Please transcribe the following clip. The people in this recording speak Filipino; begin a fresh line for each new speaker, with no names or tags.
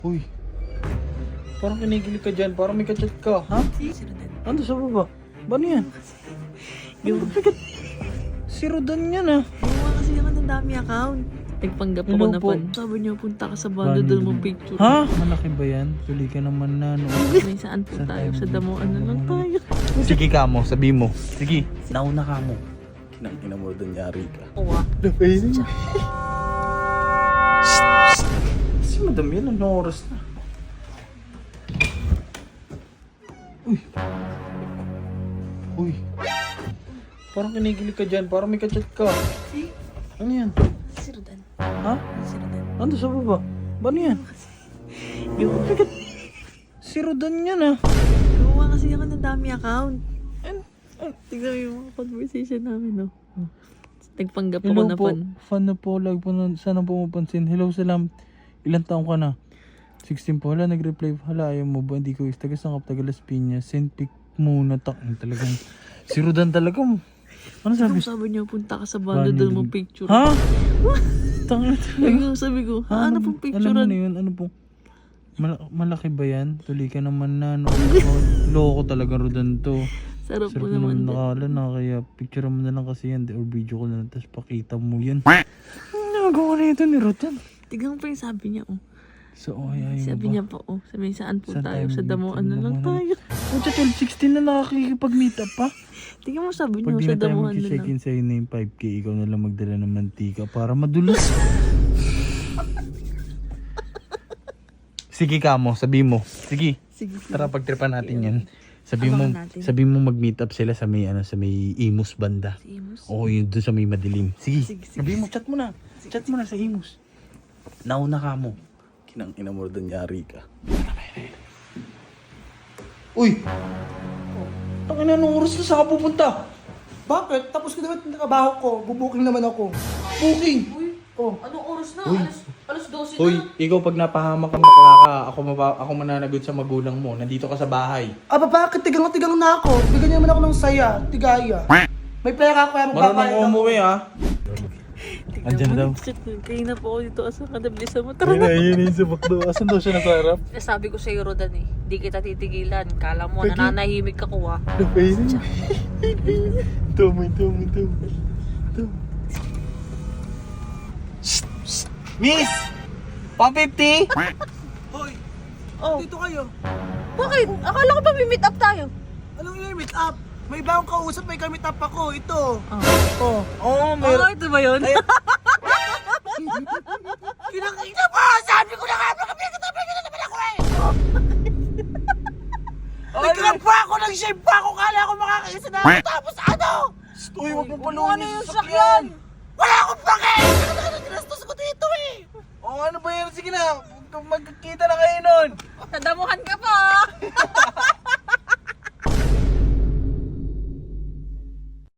Uy, parang kinikilig ka dyan, parang may kachat ka, ha? Ando sa baba? Ba ano yan? Si Rodan yan ah.
Gumawa kasi naman ng dami account. Nagpanggap ako
Hello
na
po.
pan. Sabi niya, punta ka sa bando doon mo picture.
Ha? Malaki ba yan? Tuli ka naman na, no?
May saan po
Saan
tayo?
tayo
Sa damuan na lang tayo.
Sige ka mo, sabi mo. Sige, nauna ka mo. Kinang mo doon, yari ka.
Uwa.
Si madam yan, anong oras na? Uy. Uy. Parang kinikilig ka dyan, parang may kachat ka. Ano yan?
Si Rodan.
Ha?
Si Rodan.
Ando sa baba? Ba ano yan? Si Rodan yan ah.
Gumawa kasi naman ng dami account. Tignan mo yung mga conversation namin, no? Nagpanggap ako
Hello
na
po,
pan.
fan na po, lag po na, sana po mapansin. Hello, salam. Ilan taong ka na? 16 po. Hala, nag-reply. Hala, ayaw mo ba? Hindi ko is taga-sangkap, taga-Las Piñas. Send pic muna. Talagang, si Rodan talaga. Ano sabi?
Sabi niya, punta ka sa bando doon mo picture.
Ha? Tangin.
Sabi ko, ano pong picture?
Alam mo na yun, ano po? Malaki ba yan? Tuli ka naman na. No? Loko talaga Rodan to.
Sarap po
Sarap naman
naman.
nakala na, kaya picture mo na lang kasi yan or video ko na lang, tapos pakita mo yan. Nagawa na ito ni Rodan.
Tignan mo pa yung sabi niya, oh.
So, ayaw
Sabi
ba?
niya pa, oh. Sabi saan po
Saan
tayo?
tayo
Sa damuan na lang
mag-meet?
tayo.
Pucha, 12-16 na nakakikipag-meet up pa.
Tignan mo sabi
Pag
niya,
di
sa
na tayo
damuan na
mag-check
lang.
in sa'yo na yung 5K, ikaw na lang magdala ng mantika para madulas. Sige ka mo, sabi mo. Sige,
Sige, sige.
tara pagtripan natin yan. Sabi mo,
Abangan natin.
sabi mo mag-meet up sila sa may sa may Imus banda.
Si Imus.
Oo, yun doon sa may madilim. Sige,
Sige, sige.
sabi mo, chat mo na. Chat mo na sa Imus. Nauna ka mo. Kinang ina mo doon, yari ka. Uy! Ang ina, anong oras na saan ka pupunta?
Bakit? Tapos ko naman trabaho ko. Bubuking naman ako.
Booking!
Oh.
Anong oras na?
Uy.
Alas 12
Uy, ikaw pag napahamak kang bakla ka, ako mananagot sa magulang mo. Nandito ka sa bahay.
Aba bakit? Tigang na ako. Bigyan niyo naman ako ng saya. Tigaya. May pera ako kaya magbabayad
Marunong
ako.
umuwi ha. Andyan daw.
Kaya na po ako dito. Asa ka nabilisan mo? Tara na.
Ayun yung subak daw. Asan daw siya nasa harap?
Sabi ko sa'yo, Rodan eh. Di kita titigilan. Kala mo, nananahimik ako ah.
Ito mo. Miss! Pa-50?
Hoy,
Oh,
dito kayo.
bakit? Akala ko ba may meet up tayo?
Anong i-meet up? May bagong kausap, may ka-meet up ako. Ito.
Oo,
Oh, ito ba yun?
Kinakita mo! Sabi ko na nga, magkapit-kapit na naman ako eh! Nag-grab pa ako, nag-shave pa ako, kala ko makakaisa na ako. Tapos ano?
Uy, wag mo
Ano yung sakyan?
Wala akong pake! Ginastos ko dito eh!
Oo, ano ba yan? Sige na, magkikita na kayo nun.
Nadamuhan ka pa